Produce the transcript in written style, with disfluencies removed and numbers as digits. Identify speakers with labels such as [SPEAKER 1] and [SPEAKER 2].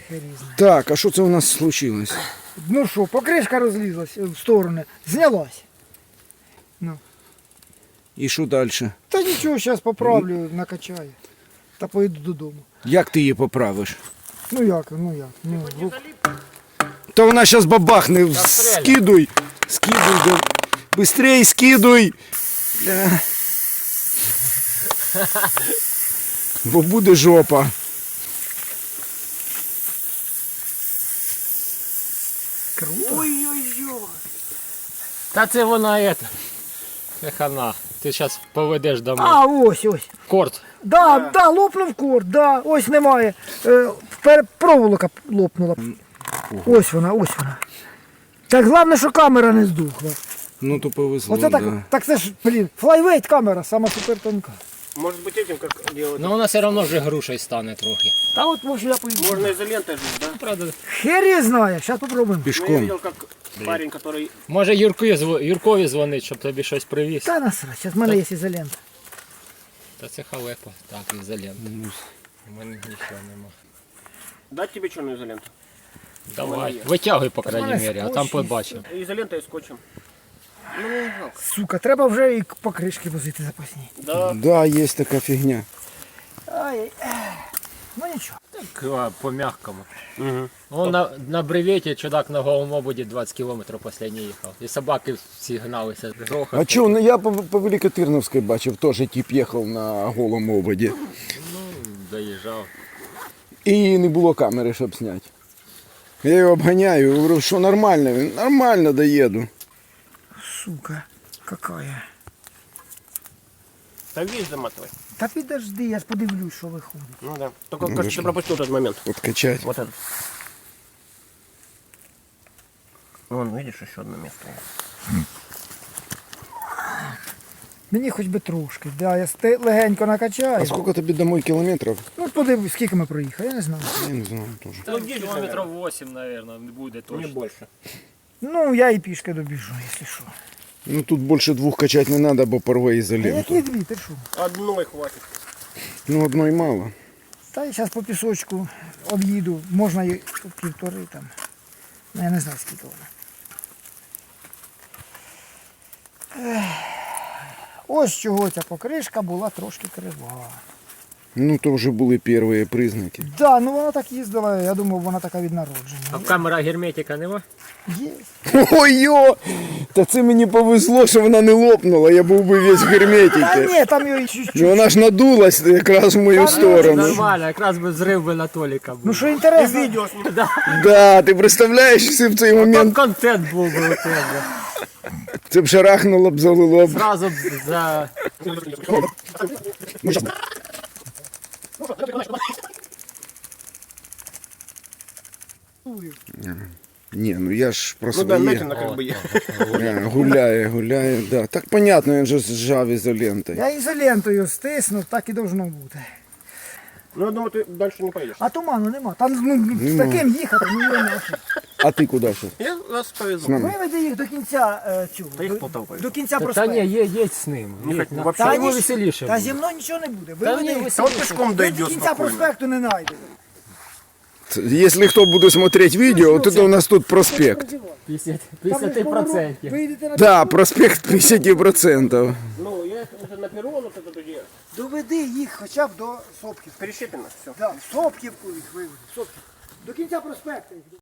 [SPEAKER 1] хер її знає.
[SPEAKER 2] Так, а що це у нас случилось?
[SPEAKER 1] Ну що, покришка розлізлась в сторони, знялась. Ну.
[SPEAKER 2] І що далі?
[SPEAKER 1] Та нічого, зараз поправлю, накачаю. Та поїду додому.
[SPEAKER 2] Як ти її поправиш?
[SPEAKER 1] Ну як. Ну,
[SPEAKER 2] Та вона зараз бабахне, скидуй. Скидуй, да. Быстрей скидуй. Бля. Бо буде жопа.
[SPEAKER 1] круто.
[SPEAKER 3] Ой-ой-ой. Та це вона це хана. Ти зараз поведеш домой.
[SPEAKER 1] А, ось.
[SPEAKER 3] Корт.
[SPEAKER 1] Да, лопнув корд, да, ось немає. Проволока лопнула. Ось вона. Так головне, що камера не здухла.
[SPEAKER 2] Ну то повезло,
[SPEAKER 1] Оце так,
[SPEAKER 2] да.
[SPEAKER 1] так це ж, блін, флайвейт камера, сама супер тонка.
[SPEAKER 4] Может быть этим как делать?
[SPEAKER 3] Ну вона все одно вже грушею стане трохи.
[SPEAKER 1] Та от може я поїду.
[SPEAKER 4] Можно изолентой жить, да?
[SPEAKER 3] Правда.
[SPEAKER 1] Хер її знає, зараз попробуємо.
[SPEAKER 4] Ну, я
[SPEAKER 2] Пішком.
[SPEAKER 4] видел, как парень, который...
[SPEAKER 3] Може Юркові дзвонить, щоб тобі щось привіз.
[SPEAKER 1] Та насрать, зараз в мене є ізолента.
[SPEAKER 3] Та це халепа. Так, ізолента. У мене нічого нема.
[SPEAKER 4] Дать тебе черную изоленту?
[SPEAKER 3] Давай, витягуй, по крайній
[SPEAKER 1] мене
[SPEAKER 3] мірі, а
[SPEAKER 1] скотч
[SPEAKER 3] там
[SPEAKER 1] є.
[SPEAKER 3] побачимо.
[SPEAKER 4] Изолентой и скотчем. Ну, не жалко.
[SPEAKER 1] Сука, треба вже і покришки возити запасні.
[SPEAKER 4] Да.
[SPEAKER 2] Да, є така фігня.
[SPEAKER 1] Ай, ну нічого.
[SPEAKER 3] Так, по-мягкому.
[SPEAKER 4] Угу.
[SPEAKER 3] Он на бреветі чудак на голому ободі 20 кілометрів останній їхав. І собаки всі гналися.
[SPEAKER 2] А чого, ну я по Великотирновській бачив, теж тип їхав на голому ободі.
[SPEAKER 3] Доїжджав.
[SPEAKER 2] І не було камери, щоб зняти. Я його обганяю, говорю, що нормально, він нормально доїду.
[SPEAKER 1] Сука, какая.
[SPEAKER 4] Да весь заматывай.
[SPEAKER 1] Та підожди, я ж подивлюсь, що виходить.
[SPEAKER 4] Ну да. Только,
[SPEAKER 2] Ну,
[SPEAKER 4] кажется,
[SPEAKER 2] да
[SPEAKER 4] ты пропустил тот момент.
[SPEAKER 2] От качать.
[SPEAKER 4] Вот это. Вон, видишь, еще одно место.
[SPEAKER 1] Мені хоч би трошки, да, я легенько накачаю.
[SPEAKER 2] А скільки тобі домой кілометрів?
[SPEAKER 1] Ну подивись, скільки ми проїхали, я не знаю.
[SPEAKER 2] Я не знаю теж.
[SPEAKER 3] Там кілометрів 8, мабуть, буде
[SPEAKER 4] Не
[SPEAKER 3] точно.
[SPEAKER 4] больше.
[SPEAKER 1] Ну, я і пішки добіжу, якщо що.
[SPEAKER 2] Ну тут більше двох качати не треба, бо порве
[SPEAKER 1] А
[SPEAKER 2] ізоленту.
[SPEAKER 1] які дві, ти що?
[SPEAKER 4] Одной хватит.
[SPEAKER 2] Ну одної мало.
[SPEAKER 1] Та я зараз по пісочку об'їду, можна і півтори там. Ну, я не знаю, скільки вона. Ось чого ця покришка була трошки крива.
[SPEAKER 2] Ну то вже були перші признаки.
[SPEAKER 1] Да, ну вона так їздила, я думав, вона така від
[SPEAKER 3] А
[SPEAKER 1] народження.
[SPEAKER 3] камера герметика нема?
[SPEAKER 1] Є.
[SPEAKER 2] Ой-йо! Та це мені повезло, що вона не лопнула, я був би весь в
[SPEAKER 1] Та
[SPEAKER 2] герметиці.
[SPEAKER 1] ні, там її чуть-чуть.
[SPEAKER 2] Ну вона ж надулась якраз в мою сторону.
[SPEAKER 3] Нормально, якраз би зрив би на Толіка був.
[SPEAKER 1] Ну що інтересно,
[SPEAKER 4] Видео с ним.
[SPEAKER 2] Да, ти представляєш, якщо в цей
[SPEAKER 3] Там
[SPEAKER 2] момент
[SPEAKER 3] контент був би у тебе.
[SPEAKER 2] це б шарахнуло б, залило б.
[SPEAKER 3] Зразу б за...
[SPEAKER 2] Ні, ну я ж про
[SPEAKER 4] Ну да,
[SPEAKER 2] своє.
[SPEAKER 4] медленно как бы я.
[SPEAKER 2] Гуляє, да. Так понятно, він же зжав ізолентою.
[SPEAKER 1] я ізолентою стиснув, так і должно бути.
[SPEAKER 4] Ну, я думаю, ты дальше не поедешь.
[SPEAKER 1] А туману нема. Там ну, з таким їхати, ну не нахуй.
[SPEAKER 2] А ти куди ще?
[SPEAKER 4] Я вас повезу.
[SPEAKER 1] Виведи їх до кінця цього.
[SPEAKER 4] Та їх
[SPEAKER 1] до-
[SPEAKER 4] Полтаву поведу.
[SPEAKER 1] До кінця
[SPEAKER 3] Та
[SPEAKER 1] проспекту.
[SPEAKER 3] ні, є з ним.
[SPEAKER 4] Не
[SPEAKER 3] Є,
[SPEAKER 4] хоч
[SPEAKER 3] на-
[SPEAKER 4] вообще.
[SPEAKER 3] Та
[SPEAKER 1] Та
[SPEAKER 3] йому
[SPEAKER 1] ні,
[SPEAKER 3] веселіше
[SPEAKER 1] Та
[SPEAKER 3] буде.
[SPEAKER 1] зі мною нічого не буде.
[SPEAKER 3] Та
[SPEAKER 1] Виведи
[SPEAKER 3] ні,
[SPEAKER 1] їх.
[SPEAKER 4] Да вот пешком
[SPEAKER 1] До
[SPEAKER 4] дойдешь
[SPEAKER 1] кінця
[SPEAKER 4] спокойно.
[SPEAKER 1] проспекту не знайде.
[SPEAKER 2] Якщо хто буде смотреть відео, то у нас тут проспект.
[SPEAKER 3] 50%.
[SPEAKER 1] Вийдете на
[SPEAKER 2] Да, проспект 50%.
[SPEAKER 4] Ну, я это на перрон, вот это где.
[SPEAKER 1] Доведи їх хоча б до Сопків.
[SPEAKER 4] Перещепина, все.
[SPEAKER 1] Да, Сопківку їх виведи. Сопків. До кінця проспекту їх.